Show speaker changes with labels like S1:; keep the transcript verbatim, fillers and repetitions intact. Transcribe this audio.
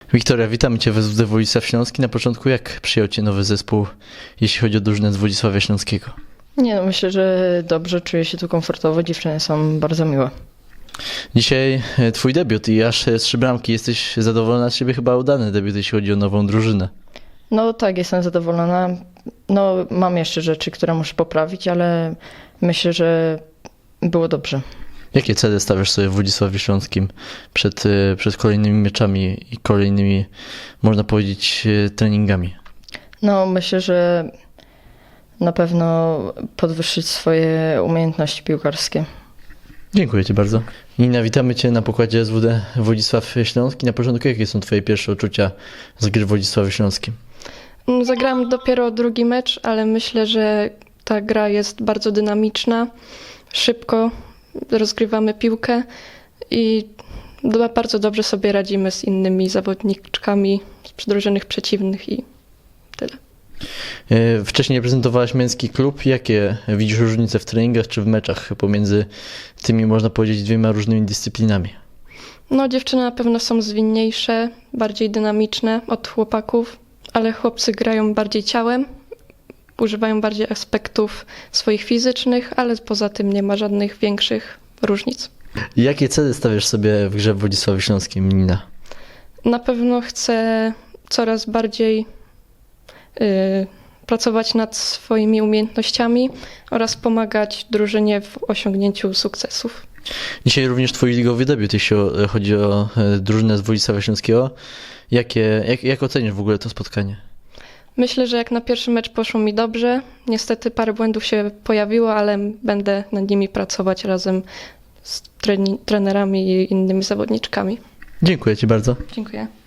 S1: Wiktoria, witamy Cię w S W D Władysław Śląski. Na początku, jak przyjął Cię nowy zespół, jeśli chodzi o drużynę z Władysławia Śląskiego?
S2: Nie, no myślę, że dobrze, czuję się tu komfortowo, dziewczyny są bardzo miłe.
S1: Dzisiaj e, Twój debiut i aż e, trzy bramki. Jesteś zadowolona z siebie? Chyba udany debiut, jeśli chodzi o nową drużynę.
S2: No tak, jestem zadowolona. No mam jeszcze rzeczy, które muszę poprawić, ale myślę, że było dobrze.
S1: Jakie cele stawiasz sobie w Władysławiu Śląskim przed, e, przed kolejnymi meczami i kolejnymi, można powiedzieć, e, treningami?
S2: No myślę, że na pewno podwyższyć swoje umiejętności piłkarskie.
S1: Dziękuję Ci bardzo. Nina, witamy Cię na pokładzie S W D Władysław Śląski. Na początku, jakie są Twoje pierwsze odczucia z gry w Władysławiu Śląskim?
S3: Zagrałam dopiero drugi mecz, ale myślę, że ta gra jest bardzo dynamiczna. Szybko rozgrywamy piłkę i bardzo dobrze sobie radzimy z innymi zawodniczkami z drużyny przeciwnych i tyle.
S1: E, Wcześniej reprezentowałaś męski klub. Jakie widzisz różnice w treningach czy w meczach pomiędzy tymi, można powiedzieć, dwiema różnymi dyscyplinami?
S3: No, dziewczyny na pewno są zwinniejsze, bardziej dynamiczne od chłopaków, ale chłopcy grają bardziej ciałem, używają bardziej aspektów swoich fizycznych, ale poza tym nie ma żadnych większych różnic.
S1: Jakie cele stawiasz sobie w grze w Władysławiu Śląskim, Nina?
S3: Na pewno chcę coraz bardziej y, pracować nad swoimi umiejętnościami oraz pomagać drużynie w osiągnięciu sukcesów.
S1: Dzisiaj również Twój ligowy debiut, jeśli chodzi o e, drużynę z Władysławia Śląskiego. Jakie, jak, jak ocenisz w ogóle to spotkanie?
S3: Myślę, że jak na pierwszy mecz poszło mi dobrze. Niestety parę błędów się pojawiło, ale będę nad nimi pracować razem z treni- trenerami i innymi zawodniczkami.
S1: Dziękuję Ci bardzo.
S3: Dziękuję.